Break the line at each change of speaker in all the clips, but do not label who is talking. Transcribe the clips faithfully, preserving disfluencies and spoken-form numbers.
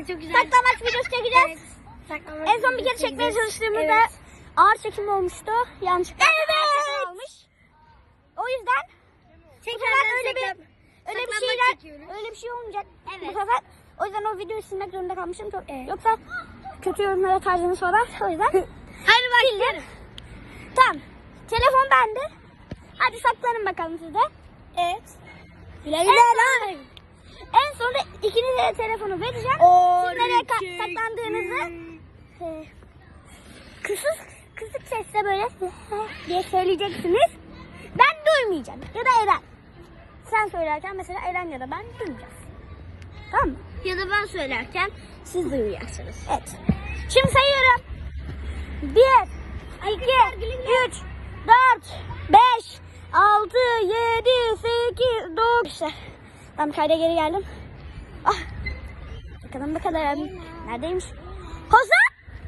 çok güzel.
Saklambaç videosu çekeceğiz.
Evet.
En son bir kere çekmeye çalıştığımızda evet. ağır çekim olmuştu. Yanlışlıkla evet. olmuş. O yüzden bu sefer öyle bir öyle bir şeyler çekiyoruz. Öyle bir şey olmayacak. Evet. Bu sefer o yüzden o videoyu silmek zorunda kalmışım. Çok, evet. Yoksa kötü yorumlara tarzınız falan. O yüzden.
Hadi başlayalım.
Tamam. Telefon bende. Hadi saklanın bakalım siz de. Evet.
Güle güle lan.
En sonunda ikinize de telefonu vereceğim. Siz nereye ka- saklandığınızı e, kısık, kısık sesle böyle diye söyleyeceksiniz. Ben duymayacağım. Ya da Eren. Sen söylerken mesela Eren ya da ben duymayacağız. Tamam mı?
Ya da ben söylerken siz duymayacaksınız.
Evet. Şimdi sayıyorum. Bir, iki, üç, dört, beş, altı, yedi, sekiz, dokuz. Tam kayda geri geldim. Ah. Bakalım bakalım. Neredeymiş? Hoza!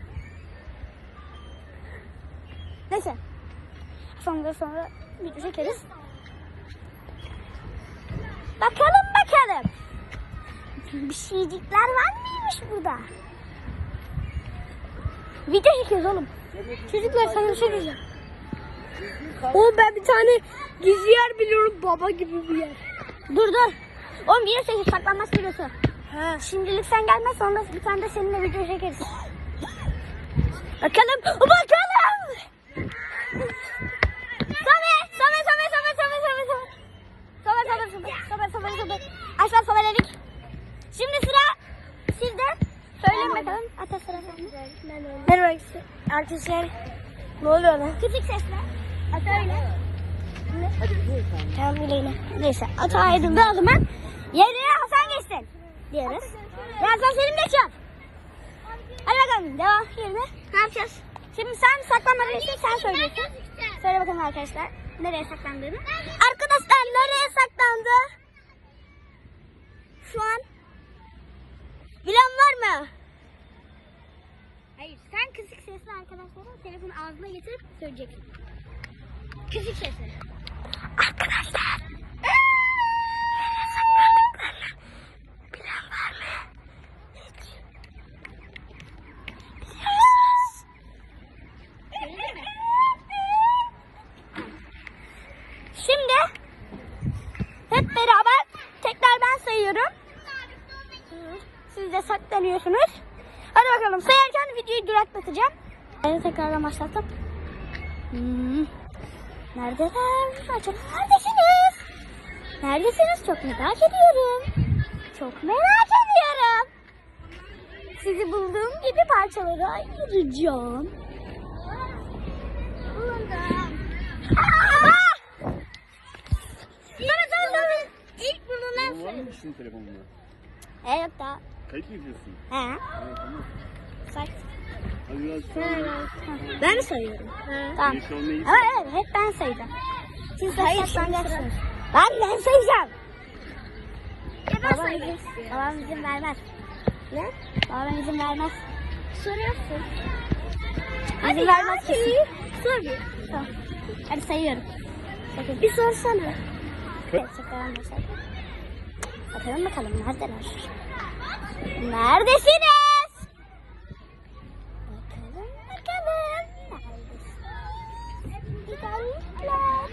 Neyse. Sonra sonra bir çekeriz. Bakalım bakalım. Bir şeycikler var mıymış burada? Video çekiyoruz oğlum. Çocuklar sana bir şey diyeceğim.
Oğlum ben bir tane gizli yer biliyorum, baba gibi bir yer.
Dur dur. Oğlum bir yere çekip saklanmaz videosu.
Ha.
Şimdilik sen gelmez, sonra bir tane de seninle video çekeriz. Bakalım. Bakalım. Sobe. Sobe sobe sobe sobe sobe sobe. Sobe sobe sobe sobe sobe sobe. Aşağı sobeledik. Şimdi sıra sizde. Söyleyin bakalım. Ata sıra sende.
Merhaba arkadaşlar. Ne oluyor lan?
Küçük sesle. Ata öyle. Tamam öyle yine. Neyse. Ata ayrıldı o zaman. Yerine Hasan geçsin. Diyoruz. Ve Hasan Selim geçiyor. Hadi bakalım. Devam yerine.
Ne yapacağız?
Şimdi sen saklanmadan için sen söylüyorsun. Söyle bakalım arkadaşlar. Nereye saklandığını. Arkadaşlar nereye saklandı? Şu an. Bilen var mı? Hayır. Sen kısık sesle arkadaşlara telefonu ağzına getirip söyleyeceksin. Kısık sesle. Arkadaşlar. Nereye saklandıklarını bilen var mı? Hiç. Biliyor musunuz? Öyle mi? Şimdi hep beraber tekrar ben sayıyorum. Siz de saklanıyorsunuz. Hadi bakalım, sayarken videoyu duraklatacağım. Evet, tekrardan başlattım. Hmm. Neredeler? Acaba neredesiniz? Neredesiniz? Çok merak ediyorum. Çok merak ediyorum. Sizi bulduğum gibi parçalara ayıracağım. Buldum. Aa! Sana sana sana. İlk bununla
Var mı senin telefonunda?
E yok da.
Kayıt mı yapıyorsun?
He.
Ha, tamam.
Say.
Hadi biraz sonra.
Ben mi sayıyorum? Tamam.
Şu an neyiz?
Ama evet, hep ben sayacağım. Siz de saklanacaksınız. Ben ben sayacağım. Babam izin, babam izin vermez.
Ne?
Babam izin vermez.
Soruyorsun.
İzin vermez kesin.
Sor bir.
Tamam. Hadi sayıyorum. Bakın.
Bir sorsana.
Evet, saklanın başlar. Bakalım bakalım neredeler? Neredesiniz? Bakalım bakalım. Neredesiniz? Güzellikler.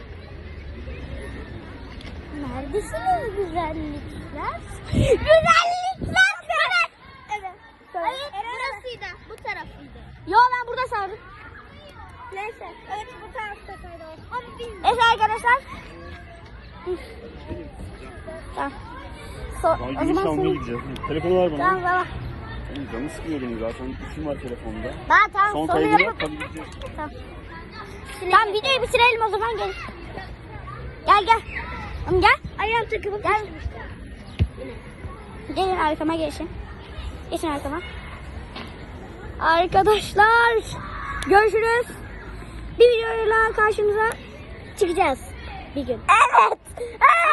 Neredesiniz güzellikler? Güzellikler! Evet. Evet.
Hayır, burasıydı. Bu tarafıydı.
Yo, ben burada saydım.
Neyse. Evet, bu tarafta saydı. Ama bilmiyorum.
Evet arkadaşlar. Tamam. So,
Daha
o
geniş
zaman
almaya
senin...
gideceğiz. Telefonu ver bana.
Tamam tamam.
Oğlum canı sıkıyor benim zaten. İşim var telefonda.
Daha tamam.
Son
Sonra
kaydını yap,
yapıp...
hadi gideceğiz.
Tamam. Tamam, videoyu bitirelim o zaman, gel. Gel gel. Tamam gel.
Ayağım takılıp
Gel. Gelin arkama geçin. Geçin arkama. Arkadaşlar görüşürüz. Bir videoyla karşınıza çıkacağız bir gün. Evet. Evet.